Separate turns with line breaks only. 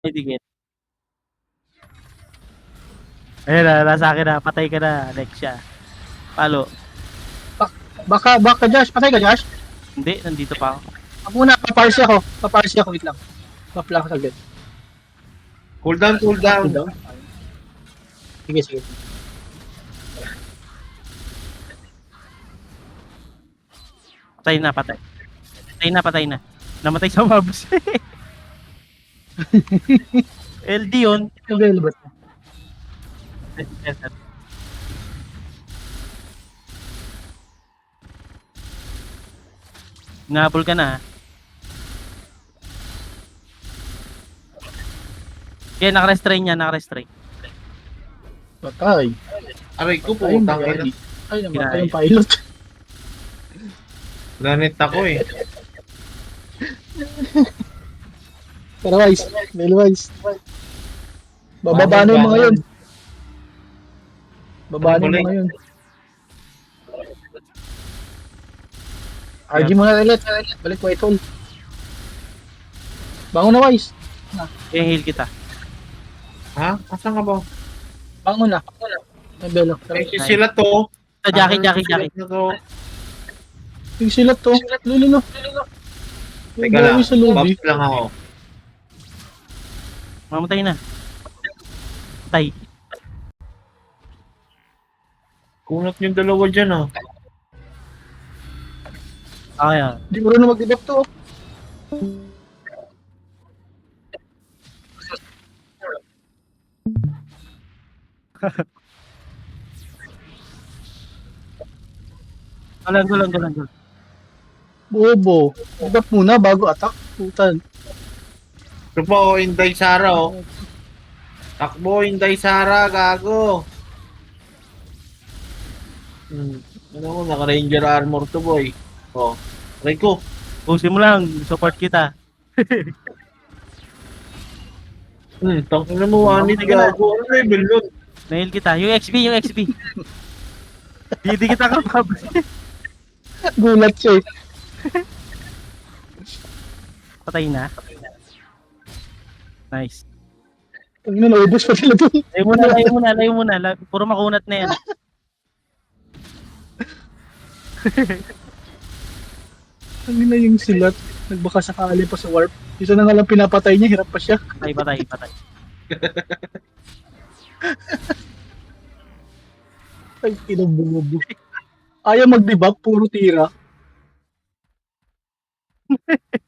May dikit. Ayun na, nasa akin na. Patay ka na, Lexia. Palo.
Baka Josh, patay ka Josh?
Hindi, nandito pa ako.
Ako muna, paparsi ako, wait lang. Buff lang ako saglit.
Cool down, cool down.
Cool down. Sige, sige.
Patay na, patay. Patay na. Namatay sa mobs. LD yun.
Available.
Nabol ka na. Okay, naka-restrain niya, naka-restrain.
Patay.
Aray ko po,
Ay,
utang
naman.
ina.
Ay, naman
Kinaya.
yung pilot.
Nanit ako eh.
Pero wise. Bababa na yung mga yun. Bababa na yung mga yun. RG muna ulit. Balik white hole. Bangon na wise.
Okay, heal kita.
Ha? Asan ka ba?
Bangon na. Ay, Belo.
Eh, sila to.
Sa Jackie.
Sila to.
Yung silat to. Lulilo.
Teka lang,
Sa lobby.
buff lang ako.
Mamatay na. Patay.
Kunat yung dalawa dyan ah.
Okay, ah.
Hindi mo rin na mag-debuff to.
Galang.
Bobo. Debuff muna bago attack. Putan.
Ito po, Inday Sara oh. Takbo, Inday Sara, gago. Ano mo, naka-ranger armor to boy. Oh, aray ko.
Pusin mo lang. Support kita.
Tangin na mo, wanit gago. Ano level nun?
Nail kita. Yung XP. Hindi kita kapab.
Gulat siya eh.
Patay na. Nice.
Ang naubos pa sila dun.
Layo muna. Puro makunat na yan.
Ang na yung silat. Nagbaka sakali pa sa warp. Isa na nga lang pinapatay niya, hirap pa siya.
Patay.
Ay, kinabumubo. Ayaw mag-debuff, puro tira.